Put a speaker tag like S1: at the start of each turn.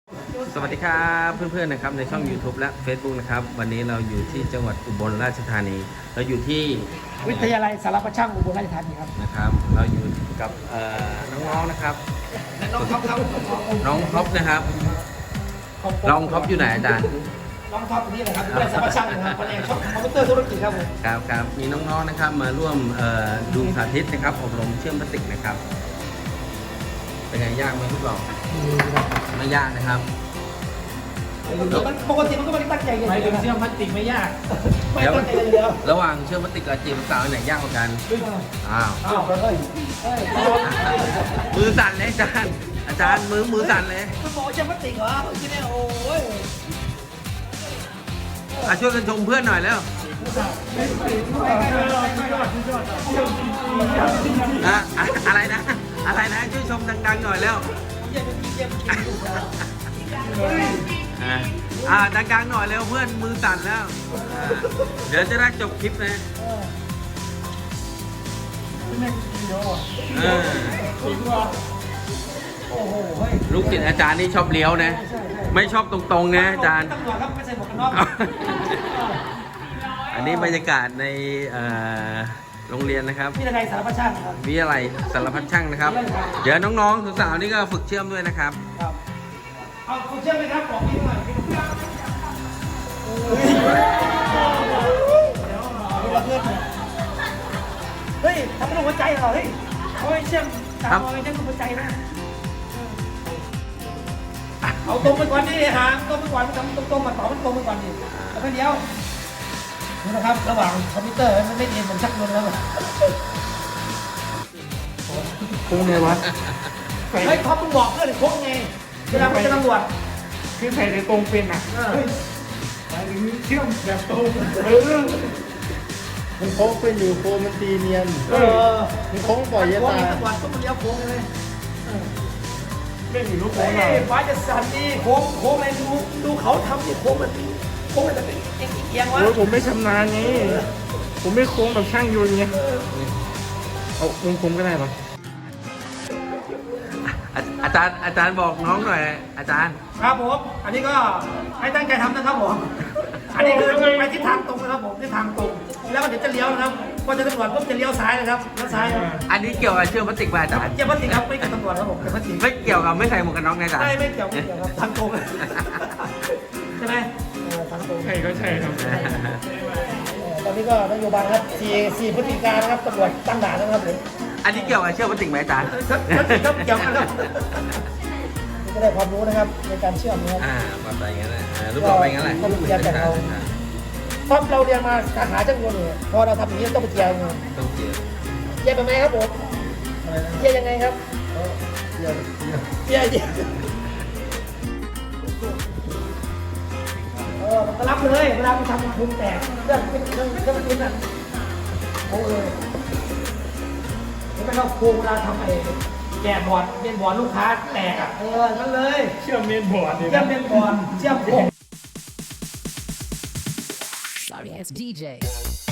S1: สวัสดีครับเพื่อนๆนะครับในช่อง YouTube และ Facebook นะครับวันนี้เราอยู่ที่จังหวัดอุบลราชธานีเราอยู่ที่
S2: วิทยาลัยสารพัดช่างอุบลราชธานีครับ
S1: นะครับเราอยู่กับน้องๆนะครับ
S2: น้องท็อปครับ
S1: น้องท็อปนะครับน้องท็อปอยู่ไหนอาจารย์
S2: น้องท็อปนี่แหละครับวิทยาลัยสารพัดช่างนะครับแผนกคอมพิวเตอร์ธุรกิจครับผม
S1: ครับมีน้องๆนะครับมาร่วมดูสาธิตนะครับอบรมเชื่อมพลาสติกนะครับเป็นไงยากไหมพี่บอกไม่ยากนะครับ
S2: ปกติมันก็ไม่ได้ตั้งใจกันหมายถึงเชื่อมพลาสติกไม่ยากไม่ตั้งใจเลยแล้ว
S1: ระหว่างเชื่อมพลาสติกกับจีบสาวไหนยากกว่ากันอ้าวมือสั่นเลยอาจารย์มือสั่นเลย
S2: คุณหมอเชื่อมพลาสติกเหรอที่นี่โอ้ย
S1: ช่วยกันชมเพื่อนหน่อยแล้วอะไรนะช่วยชมดังๆหน่อยแล้วดังๆหน่อยแล้วเพื่อนมือสั่นแล้วเดี๋ยวจะได้จบคลิปนะลูกศิษย์อาจารย์นี่ชอบเลี้ยวนะไม่ชอบตรงๆนะอาจารย์อันนี้บรรยากาศในโรงเรียนนะครับ
S2: วิทยาลัยสารพัดช่างครับ
S1: วิทยาลัยสารพัดช่างนะครับเดี๋ยวน้องๆสาวๆนี่ก็ฝึกเชื่อมด้วยนะครับ
S2: เอาเชื่อมไหมครับบอกพี่หน่อยเฮ้ยทำเป็นหัวใจเหรอเฮ้ยเขาให้เชื่อมตามเอาให้เชื่อมหัวใจนะเอาตรงไปก่อนดิหางตรงไปก่อนมันทำตรงมาต่อมันตรงไปก่อนดิแล้วก็เดี๋ยวนี่นะครับระหว่างคอมพิวเตอร์มันไม่เรียนเหมือนชักเงินแล้วโค้งไงวะเฮ้ยท็อปมึงบอกเพื่อนโค้งไงเวลาไปตำรวจ
S3: คือใส่ในตรงเป็นอ่ะหมายถึงเชื่อมแบบตรง
S4: มันโค้งเป็นอยู่โค้งมันตีเนียนมันโค้งปล่อยยาตา
S2: ตำรวจต้องมาเลี้ยวโค้งเลย
S3: เล่นอยู่ลูกโค้งเรา
S2: ฟ้าจะสั่นดีโค้งอะไรดูเขาทำดิโค้งมันจะเป็นเอียงวะ
S3: ผมไม่ชำนาญไงผมไม่โค้งแบบช่างยนต์ไงเอาวงกลมก็ได้ปะ
S1: อาจารย์บอกน้องหน่อยอาจารย์
S2: ครับผมอันนี้ก็ให้ตั้งใจทำนะครับผมอันนี้คือไปทิศทางตรงนะครับผมทิศทางตรงแล้วก็เดี๋ยวจะเลี้ยวนะครับพอจะตำรวจปุ๊บจะเลี้ยวซ้ายนะครับเลี้ยวซ้าย
S1: อันนี้เกี่ยวกับเชื่อมพลาสติกป่ะอาจารย์
S2: เกี่ยวพลาสติกครับไม่เกี่ยวกับตำรวจครับผมเกี่ยวพลาสติก
S1: ไม่เกี่ยวกับไม่ใส่หมวกกันน็อกไงอาจารย์
S2: ไม่เกี่ยวครับทางตรงใช่ไหมทางตรง
S3: ใช่ก็ใช่ครับ
S2: ตอนนี้ก็นโยบายครับ4พฤศจิกายนนะครับตำรวจตั้งด่านนะครับผม
S1: อันนี้เกี่ยวกับเชื่อมพลาสติกไหมอาจารย์
S2: ครับเกี่ยวกันครับก็ได้ความรู้นะครับในการเชื่อมนะครับ
S1: มาไปงั้นเลยรูปต่อไปงั้นแหละ
S2: ต้องเรียนจากเราเพราะเราเรียนมาสาขาช่างยนต์เนี่ยพอเราทำอย่างนี้ต้องไปเจียง
S1: ต้องเจีย
S2: เป็นไงครับผมเจียยังไงครับเจียมันก็รับเลยเวลาไปทำพุงแตกเรื่องเป็นปิ้นอ่ะโอ้เลยไม่ต้องโค้งเวลาทำไอ้แกะบอร์ดเมนบอร์ดลูกค้าแตกอ่ะนั่นเลย
S3: เชื่อมเมนบอร์ด
S2: เชื่อมเมนบอร์ดเชื่อมโค้ง
S5: Sorry, it's DJ.